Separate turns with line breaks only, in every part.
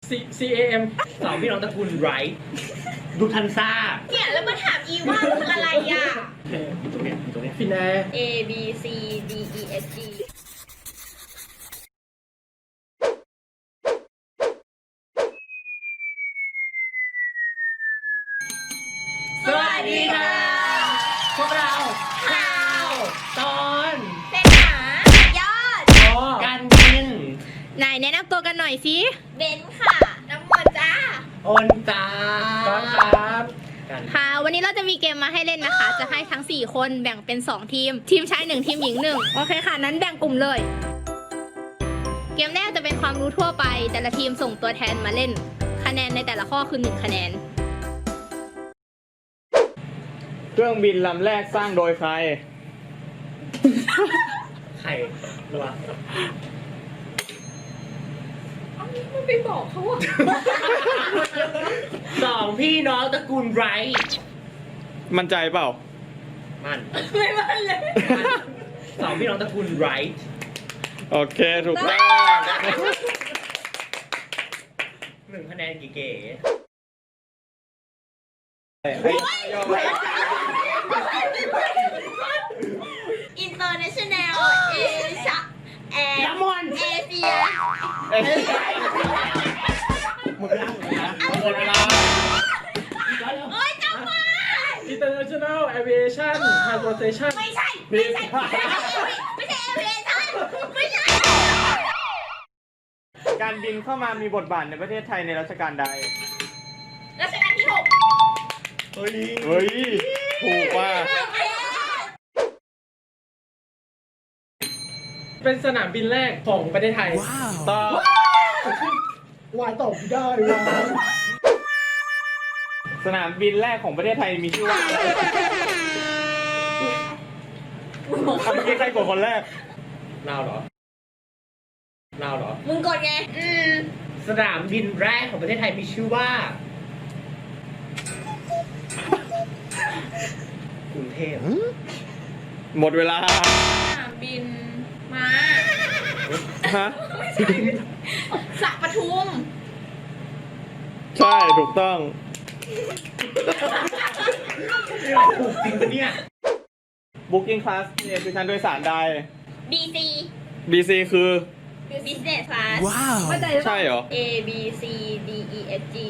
CAM
สองพี่น้องตระกูลไรท์ดูทันซ่า
เนี่ยแล้วมาถามอีว่าคืออะไรอ่ะ
ตรงเนี้ย
ฟินแอร์
A B C D E F G
สวัสดีค่ะ พวกเราข่าวตอน
เป็นหายอด
การบิน
ไหนแนะนำตัวกันหน่อยสิ
เบนค่ะ น้ำมนต์จ้า
โอนจ้า
ก้อนครับ
กัน
ค่ะ วันนี้เราจะมีเกมมาให้เล่นนะคะ จะให้ทั้ง 4 คนแบ่งเป็น 2 ทีม ทีมชาย 1 ทีมหญิง 1 โอเคค่ะ นั้นแบ่งกลุ่มเลย เกมแรกจะเป็นความรู้ทั่วไป แต่ละทีมส่งตัวแทนมาเล่น คะแนนในแต่ละข้อคือ 1 คะแนน
เครื่องบินลำแรกสร้างโดยใคร
ใครรู้ปะ
ไม่ไปบอกเขาอ่ะ
สองพี่น้องตระกูลไรท์
มั่นใจเปล่า
มัน
ไม่มันเลย
สองพี่น้องตระกูลไรท์
โอเค ถูกต้อง
1 คะแนนเก๋
International Asia แอ
ๆ
ร์
น้ำมัน
เอเชีย
หมดเวลาหมดเวลา
โอ๊ยจำมา
International Aviation Transportation
ไม่ใช่ ไม่ใช่ ไม่ใช่เอเชียไม่ใช่
การบินเข้ามามีบทบาทในประเทศไทยในรัชกาลใด
รัชกาลที่ 6
เฮ้ย
เฮ้ย ถูกว่า
เป็นสนามบินแรกของประเทศไทย
ต่อ
วายตอบได้วาย
สนามบินแรกของประเทศไทยมีชื่อว่าอะไรเมื่อกี้ใครกดคนแรก
เราเหรอ
มึงกดไง
สนามบินแรกของประเทศไทยมีชื่อว่า กรุงเทพ
หมดเวลา
สนามบินมา
ฮะ
สระปทุม
ใช่ ถูกต้อง
ถูกจริงปะเนี่ย
Booking Class A คือชั้นโดยสารใด
BC
BC คือ
Business Class
เข้าใจหรือเป
ใช่
ล่า
เหรอ
A B C D E F G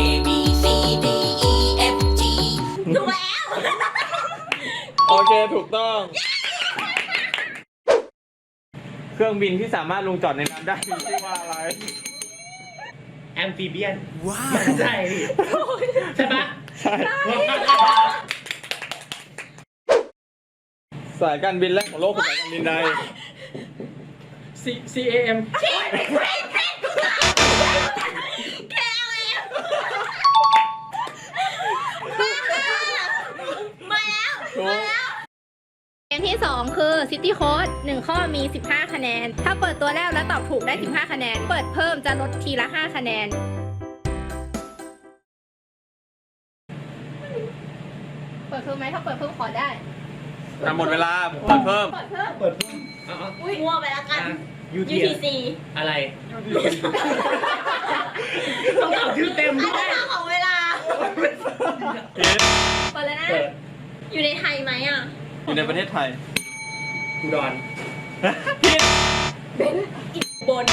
ถูกแล้ว
โอเค ถูกต้อง เครื่องบินที่สามารถลงจอดในน้ำได้มีชื่อว่าอะไร
แอมฟิเบียน ว้าวใช่ใช่ปะ
ใช่ สายการบินแรกของโลกคือสายการบินใด
CAM
มาแล้ว
ถูก
เกมที่ 2 คือ City Code 1 ข้อมี 15 คะแนน ถ้าเปิดตัวแล้วแล้วตอบถูกได้ 15 คะแนน เปิดเพิ่มจะลดทีละ 5 คะแนน เปิดเพิ่มไหมถ้าเปิดเพิ่มขอได้
หมดเวลา เปิดเพิ่ม
เปิดเพิ่ม
เปิดเพิ่มเอา
อุ้ยมั่วไปแล้วกัน
UTC
UTC
อะไรต้องตอบชื่อเต็ม
อัน
ด้ว
นี้
ย
ของเวลา เปิดแล้วนะ
เปิด
อยู่ในไทยไหมอ่ะ
อยู่ในประเทศไทย
อุดร
บน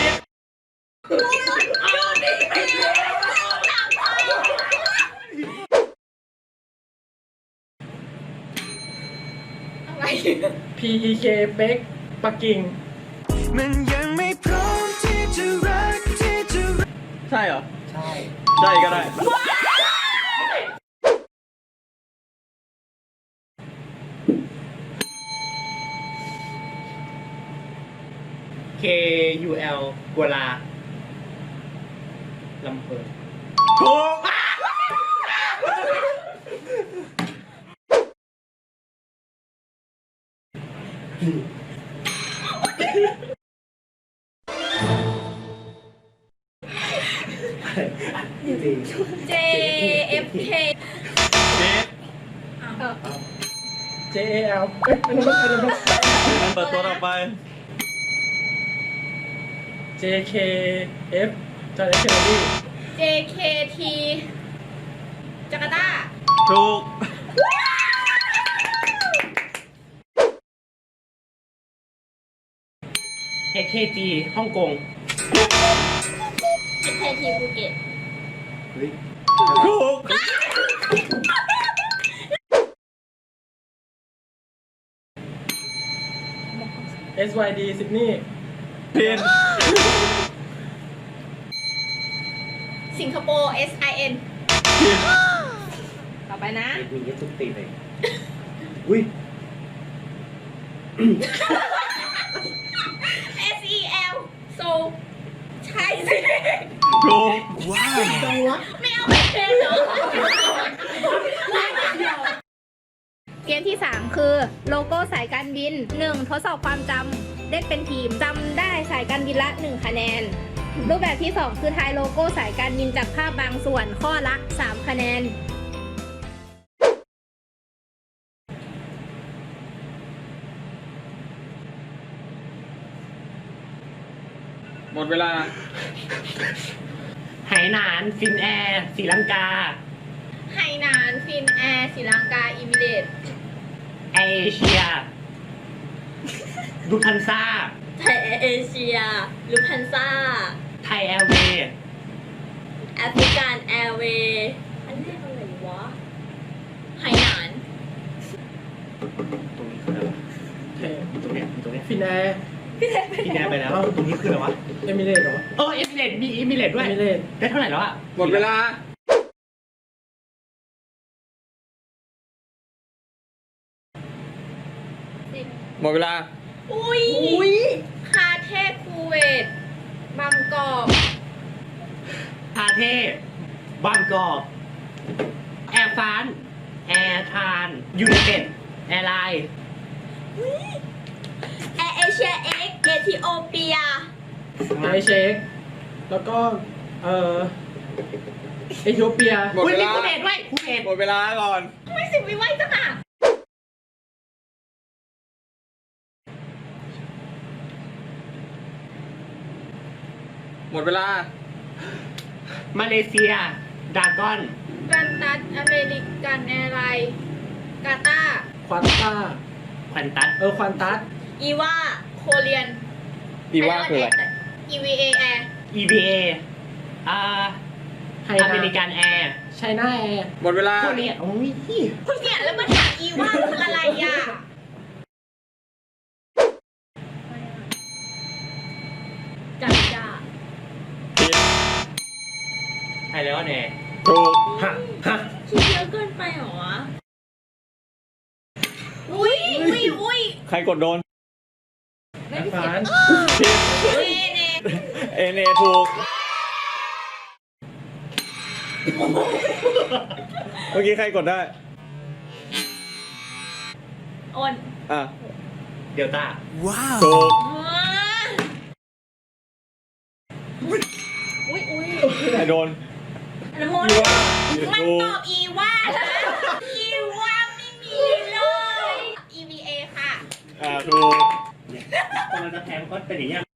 อะไร
PEK เป็กปักกิ่ง
มันยังไม่พร้อมที่จะรักที่จะ
ใช่เหรอ
ใช่
ใช่ก็ได้
KUL กัวลาลำเพลิน
ถูก
JFK
JAL เอ้ยอันนั้นมัน
งั้นเปิดตัวต่อไป
JKF จอร์แดนเคนเนดี
JKT จาการ์ตา
ถูก
HKG ฮ่องกง
JKT ภูเก็ต
ถูก
SYD ซิดนีย์
ผิด
สิงคโปร์ SIN
ผิด
ต่อไปนะ
มีเยอะทุกตีเลย อุ้ย
SEL โซใช่สิ
ถูก
จังวะ
ไม่เอาไปเป็นเหรอ เกมที่ 3 คือโลโก้สายการบิน 1. ทดสอบความจำเล่นเป็นทีมจำได้สายการบินละ 1 คะแนน รูปแบบที่ 2 คือทายโลโก้สายการบินจากภาพบางส่วนข้อละ 3 คะแนน
หมดเวลา
ไหหนาน ฟินแอร์ศรีลังกา
ไหหนาน ฟินแอร์ศรีลังกา อิมิเรตส์
เอเชียลูคันซ่า
ไทยเอเชียลูพันซ่า
ไทยแอร์เวย์
แอฟริกันแอร์เวย์อันแรกอะไรวะไหหนาน
ตรงนี้คืออะไรวะ
เท
ตรงเนี้ยตรงเนี้ย
ฟินแอร์
ฟินแอร์ไปแล้ว ตรงนี้คืออะไรวะ
เอมิเรตส์เหรอ
เออเอมิเรตมีเอมิเรตด้วย
เอมิเรตส์
ได้เท่าไหร่แล้วอะ
หมดเวลา หมดเวลา
อุ้ยคาเทคูเวตบางกอก
พาเทพบางกอกแอร์ฟานแอร์ทานยูไนเต็ดแอร์ไลน์
แอร์เอเชียเอ็กเอธิโอเปีย
ไอเช็คแล้วก็เอธิโอเปีย
หมด
อุ้ย
เว
มี
ลา
คูเวตด้วยคูเวต
หมดเวลาก่อน
ไม่สิบวิไว้จังอ่ะ
หมดเวลา
มาเลเซียดากอน
กันตัสอเมริกันแอร์ไลน์กาตาร์
ควอนต้า
ควันตัส
ควอนตัส
อีว่า
โคเรียน
อีว่าคืออะไร
EVA Air
EVA
ไฮ
อ
นา
เมริกันแอร์
ไชน่าแอร์
หมดเวลา
พวกนี้โอ้ย
คุณเนี่ยแล้วมาถามอีว่าคืออะไรอ่ะ
จัดจ้า
ใช่แล้วเนี่ย
ถูก
ฮะฮะ
คิดเยอะเกินไปเหรอวะ
อุ้ย
ใครกดโดน
แอร์ฟาน
ผิด
เน
เอเนถูก เมื่อกี้ใครกดได้
อ้น
อ่ะ
เดลต้า
ถูก ใครโดน
น้ำมน
มัน
ถูก
ตอบอีว่าแล้วอีว่าไม่มีเลย EVA ค่ะ
ถูก
กำลังจะแพ้มันก็เป็นอย่างเงี้ย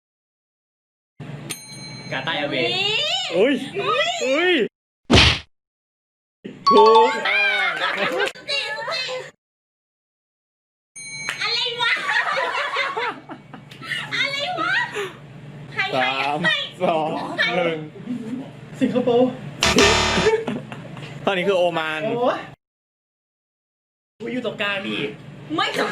กาตาร์แอร์เว
วิ
ย์
อุ้ย อุ้ย ถูก
อะไรวะ อะไรวะใคร
สามสองหนึ่ง
สิงคโปร์
ตอนนี้คือโอมาน
โอ้ย
กูอยู่ตรงกลางนี่
ไม่ทำ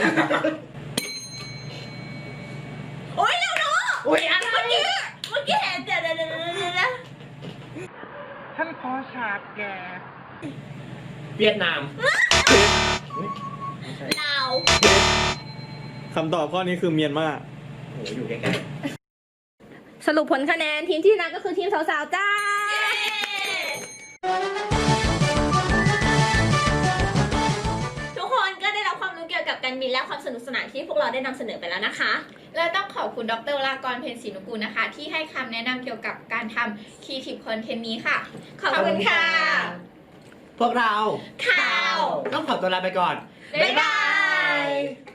โอ๊ยเร็วเนาะ
อุ้ยอะไร
เมื่อกี้เห็นเดี๋ยว
ท่านขอฉากแก
เวียดนาม
ลาว
คำตอบข้อนี้คือเมียนมา
โอ้โหอยู่ใกล้
สรุปผลคะแนนทีมที่ชนะก็คือทีมสาวๆจ้า
ทุกคนก็ได้รับความรู้เกี่ยวกับการบินและความสนุกสนานที่พวกเราได้นำเสนอไปแล้วนะคะ
และต้องขอบคุณดรวรากร เพ็ญศรีนุกูลนะคะ ที่ให้คำแนะนำเกี่ยวกับการทำ Creative Content นี้ค่ะ ขอบคุณค่ะ
ๆ พวกเรา
ข่าว
ต้องขอตัวลาไปก่อน
บ๊ายบาย